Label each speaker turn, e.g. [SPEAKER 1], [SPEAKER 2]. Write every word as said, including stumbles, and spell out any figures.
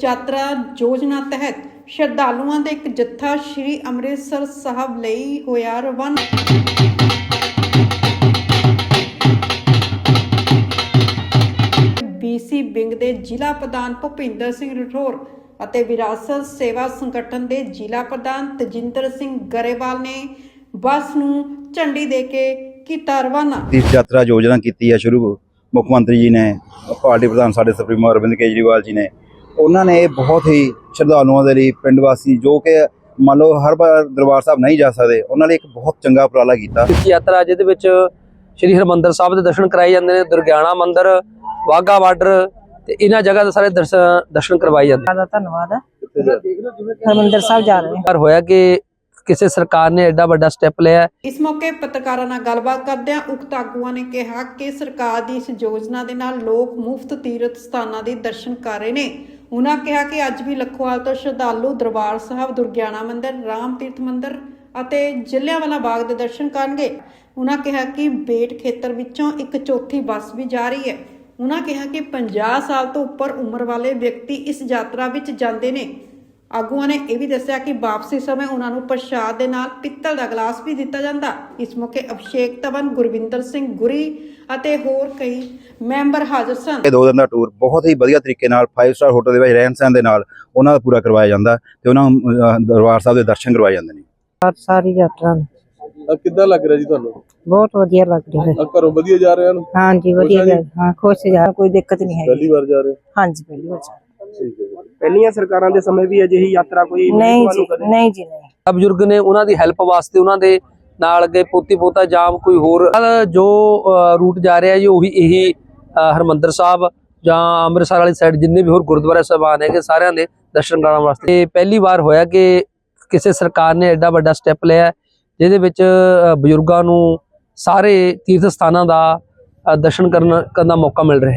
[SPEAKER 1] यात्रा योजना तहत श्रद्धालुओं का एक जत्था श्री अमृतसर साहब ਲਈ होया रवाना। बीसी विंग के जिला प्रधान भुपिंदर सिंह राठौर ਅਤੇ विरासत सेवा संगठन के जिला प्रधान तजिंदर सिंह गरेवाल ने बस ਨੂੰ ਝੰਡੀ ਦੇ ਕੇ ਕੀਤਾ रवाना।
[SPEAKER 2] तीर्थ यात्रा योजना की है शुरू मुख्य मंत्री जी ने, पार्टी प्रधान साढ़े सुप्रीमो अरविंद केजरीवाल जी ने, उन्होंने बहुत ही श्रद्धालुओं के लिए पिंड वासी जो कि मान लो हर बार दरबार साहब नहीं जा सकते उन्होंने एक बहुत चंगा उपराला किया।
[SPEAKER 3] तीर्थ यात्रा जिहदे विच श्री हरमंदर साहब के दर्शन कराए जाते हैं, दुर्गियाना मंदिर, वाघा बार्डर ते इन्हां जगह के सारे दर्शन दर्शन करवाए जाते हैं।
[SPEAKER 4] धन्यवाद हरमंदर साहब जा रहे हैं।
[SPEAKER 3] पर होया कि ਕਿਸੇ ਸਰਕਾਰ ਨੇ ਐਡਾ ਵੱਡਾ ਸਟੈਪ ਲਿਆ।
[SPEAKER 1] ਇਸ ਮੌਕੇ ਪੱਤਰਕਾਰਾਂ ਨਾਲ ਗੱਲਬਾਤ ਕਰਦਿਆਂ ਉਕਤ ਆਗੂਆਂ ਨੇ ਕਿਹਾ ਕਿ ਸਰਕਾਰ ਦੀ ਇਸ ਯੋਜਨਾ ਦੇ ਨਾਲ ਲੋਕ ਮੁਫਤ ਤੀਰਥ ਸਥਾਨਾਂ ਦੇ ਦਰਸ਼ਨ ਕਰ ਰਹੇ ਨੇ। ਉਹਨਾਂ ਕਿਹਾ ਕਿ ਅੱਜ ਵੀ ਲੱਖੋਵਾਲ ਤੋਂ ਸ਼ਰਧਾਲੂ ਦਰਬਾਰ ਸਾਹਿਬ, ਦੁਰਗਿਆਣਾ ਮੰਦਿਰ, ਰਾਮ ਤੀਰਥ ਮੰਦਿਰ ਅਤੇ ਜਲਿਆਂਵਾਲਾ ਬਾਗ ਦੇ ਦਰਸ਼ਨ ਕਰਨਗੇ। ਉਹਨਾਂ ਕਿਹਾ ਕਿ ਬੇਟ ਖੇਤਰ ਵਿੱਚੋਂ ਇੱਕ ਚੌਥੀ ਬੱਸ ਵੀ ਜਾ ਰਹੀ ਹੈ। ਉਹਨਾਂ ਕਿਹਾ ਕਿ ਪੰਜਾਹ ਸਾਲ ਤੋਂ ਉੱਪਰ ਉਮਰ ਵਾਲੇ ਵਿਅਕਤੀ ਇਸ ਯਾਤਰਾ ਵਿੱਚ ਜਾਂਦੇ ਨੇ। ਆਗੂਆਂ ਨੇ ਇਹ ਵੀ ਦੱਸਿਆ ਕਿ ਵਾਪਸੀ ਸਮੇਂ ਉਹਨਾਂ ਨੂੰ ਪ੍ਰਸ਼ਾਦ ਦੇ ਨਾਲ ਪਿੱਤਲ ਦਾ ਗਲਾਸ ਵੀ ਦਿੱਤਾ ਜਾਂਦਾ। ਇਸ ਮੌਕੇ ਅਭਿਸ਼ੇਕ ਤਵਨ, ਗੁਰਵਿੰਦਰ ਸਿੰਘ ਗੁਰੀ ਅਤੇ ਹੋਰ ਕਈ ਮੈਂਬਰ ਹਾਜ਼ਰ ਸਨ।
[SPEAKER 2] ਇਹ ਦੋ ਦਿਨ ਦਾ ਟੂਰ ਬਹੁਤ ਹੀ ਵਧੀਆ ਤਰੀਕੇ ਨਾਲ फाइव ਸਟਾਰ ਹੋਟਲ ਦੇ ਵਿੱਚ ਰਹਿਣ ਸਹਿਣ ਦੇ ਨਾਲ ਉਹਨਾਂ ਦਾ ਪੂਰਾ ਕਰਵਾਇਆ ਜਾਂਦਾ ਤੇ ਉਹਨਾਂ ਨੂੰ ਦਰਬਾਰ ਸਾਹਿਬ ਦੇ ਦਰਸ਼ਨ ਕਰਵਾਏ ਜਾਂਦੇ ਨੇ।
[SPEAKER 4] ਸਾਰੀ ਯਾਤਰਾ
[SPEAKER 5] ਕਿੱਦਾਂ ਲੱਗ ਰਿਹਾ ਜੀ ਤੁਹਾਨੂੰ?
[SPEAKER 4] ਬਹੁਤ ਵਧੀਆ ਲੱਗ ਰਿਹਾ ਹੈ।
[SPEAKER 5] ਘਰੋਂ ਵਧੀਆ ਜਾ ਰਹੇ ਹਨ?
[SPEAKER 4] ਹਾਂਜੀ ਵਧੀਆ ਜਾ ਹਾਂ, ਖੁਸ਼ ਜਾ, ਕੋਈ ਦਿੱਕਤ ਨਹੀਂ ਹੈ।
[SPEAKER 5] ਪਹਿਲੀ ਵਾਰ ਜਾ ਰਹੇ?
[SPEAKER 4] ਹਾਂਜੀ ਪਹਿਲੀ ਵਾਰ ਜਾ।
[SPEAKER 5] ਠੀਕ ਹੈ। ਪਹਿਲੀਆਂ ਸਰਕਾਰਾਂ ਦੇ ਸਮੇਂ ਵੀ ਅਜਿਹੀ ਯਾਤਰਾ ਕੋਈ
[SPEAKER 4] ਨਹੀਂ ਜੀ, ਨਹੀਂ ਜੀ ਨਹੀਂ।
[SPEAKER 3] ਬਜ਼ੁਰਗ ਨੇ ਉਹਨਾਂ ਦੀ ਹੈਲਪ ਵਾਸਤੇ ਉਹਨਾਂ ਦੇ ਨਾਲ ਅੱਗੇ ਪੋਤੀ ਪੋਤਾ ਜਾਂ ਕੋਈ ਹੋਰ ਜੋ ਰੂਟ ਜਾ ਰਿਹਾ ਜੀ ਉਹੀ ਇਹੀ ਹਰਮੰਦਰ ਸਾਹਿਬ ਜਾਂ ਅੰਮ੍ਰਿਤਸਰ ਵਾਲੀ ਸਾਈਡ ਜਿੰਨੇ ਵੀ ਹੋਰ ਗੁਰਦੁਆਰਾ ਸਾਹਿਬਾਨ ਹੈਗੇ ਸਾਰਿਆਂ ਦੇ ਦਰਸ਼ਨ ਕਰਨ ਵਾਸਤੇ ਪਹਿਲੀ ਵਾਰ ਹੋਇਆ ਕਿ ਕਿਸੇ ਸਰਕਾਰ ਨੇ ਐਡਾ ਵੱਡਾ ਸਟੈਪ ਲਿਆ ਜਿਹਦੇ ਵਿੱਚ ਬਜ਼ੁਰਗਾਂ ਨੂੰ ਸਾਰੇ ਤੀਰਥ ਸਥਾਨਾਂ ਦਾ ਦਰਸ਼ਨ ਕਰਨ ਦਾ ਮੌਕਾ ਮਿਲ ਰਿਹਾ।